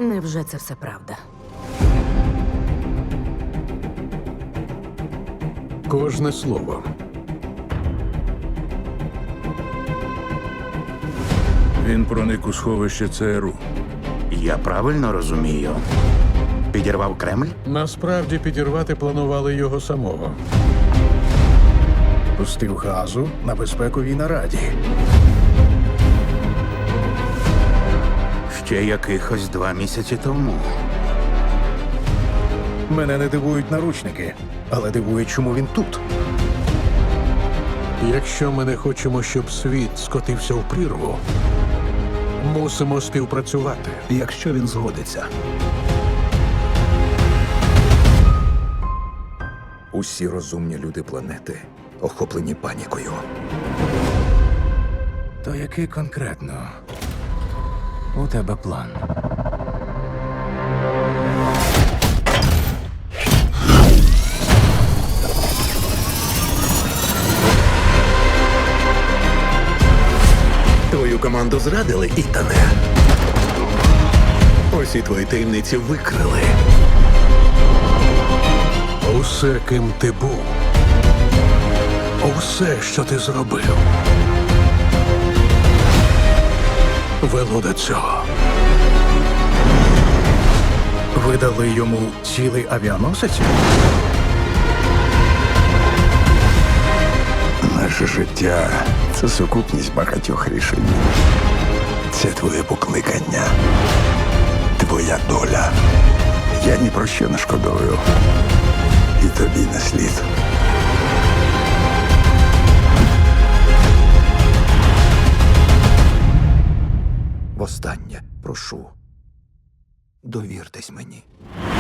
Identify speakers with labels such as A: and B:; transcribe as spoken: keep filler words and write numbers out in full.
A: Невже це все правда?
B: Кожне слово.
C: Він проник у сховище ЦРУ.
D: Я правильно розумію? Підірвав Кремль?
B: Насправді підірвати планували його самого.
E: Пустив газу на безпековій нараді.
D: Ще якихось два місяці тому.
E: Мене не дивують наручники, але дивує, чому він тут.
B: Якщо ми не хочемо, щоб світ скотився в прірву, мусимо співпрацювати.
F: Якщо він згодиться. Усі розумні люди планети охоплені панікою.
E: То який конкретно у тебе план?
F: Твою команду зрадили, Ітане. Усі твої таємниці викрили.
B: Усе, ким ти був, усе, що ти зробив, вело до цього.
E: Ви дали йому цілий авіаносець?
G: Наше життя – це сукупність багатьох рішень. Це твоє покликання, твоя доля. Я ні про що не шкодую. І тобі не слід.
F: Востаннє прошу. Довіртесь мені.